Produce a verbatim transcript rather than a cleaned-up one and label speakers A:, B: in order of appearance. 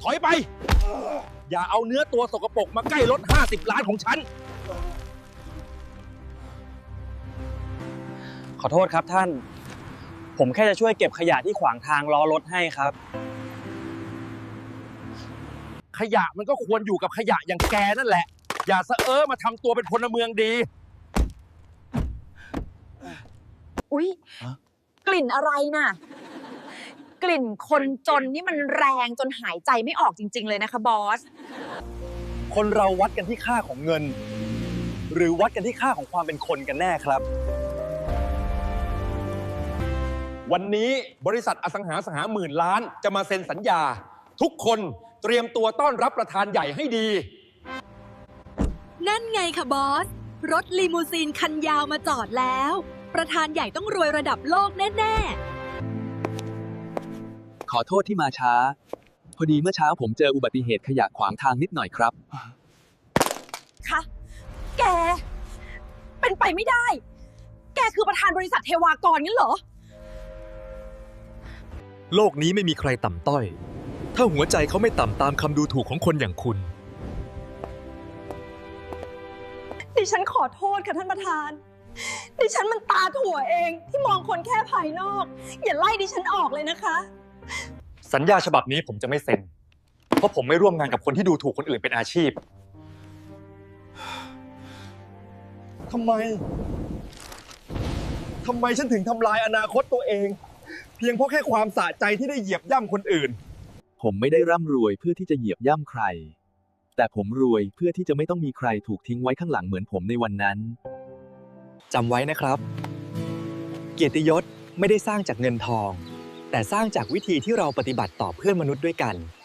A: ถอยไป อย่าเอาเนื้อตัวสกปรกมาใกล้รถห้าสิบล้านของฉัน
B: ขอโทษครับท่าน ผมแค่จะช่วยเก็บขยะที่ขวางทางล้อรถให้ครับ
A: ขยะมันก็ควรอยู่กับขยะอย่างแกนั่นแหละ อย่าสะเออมาทำตัวเป็นพลเมืองดี
C: อุ๊ย กลิ่นอะไรน่ะ กลิ่นคนจนนี่มันแรงจนหายใจไม่ออกจริงๆเลยนะคะบอส
B: คนเราวัดกันที่ค่าของเงิน หรือวัดกันที่ค่าของความเป็นคนกันแน่ครับ
A: วันนี้บริษัทอสังหาสหหมื่นล้านจะมาเซ็นสัญญา ทุกคนเตรียมตัวต้อนรับประธานใหญ่ให้ดี
D: นั่นไงค่ะบอส รถลีมูซีนคันยาวมาจอดแล้ว ประธานใหญ่ต้องรวยระดับโลกแน่ๆ
E: ขอโทษที่มาช้า พอดีเมื่อเช้าผมเจออุบัติเหตุขยะขวางทางนิดหน่อยครับ
C: คะ แก เป็นไปไม่ได้ แกคือประธานบริษัทเทวากรงั้นเหรอ
F: โลกนี้ไม่มีใครต่ำต้อย ถ้าหัวใจเขาไม่ต่ำตามคำดูถูกของคนอย่างคุณ
C: ดิฉันขอโทษค่ะท่านประธาน ดิฉันมันตาถั่วเองที่มองคนแค่ภายนอก อย่าไล่ดิฉันออกเลยนะคะ
G: สัญญาฉบับนี้ผมจะไม่เซ็น เพราะผมไม่ร่วมงานกับคนที่ดูถูกคนอื่นเป็นอาชีพ
A: ทำไม ทำไมฉันถึงทำลายอนาคตตัวเอง เพียงเพราะแค่ความสะใจที่ได้เหยียบย่ำคนอื่น
E: ผมไม่ได้ร่ำรวยเพื่อที่จะเหยียบย่ำใคร แต่ผมรวยเพื่อที่จะไม่ต้องมีใครถูกทิ้งไว้ข้างหลังเหมือนผมในวันนั้น
H: จำไว้นะครับ เกียรติยศไม่ได้สร้างจากเงินทอง แต่สร้างจากวิธีที่เราปฏิบัติต่อเพื่อนมนุษย์ด้วยกัน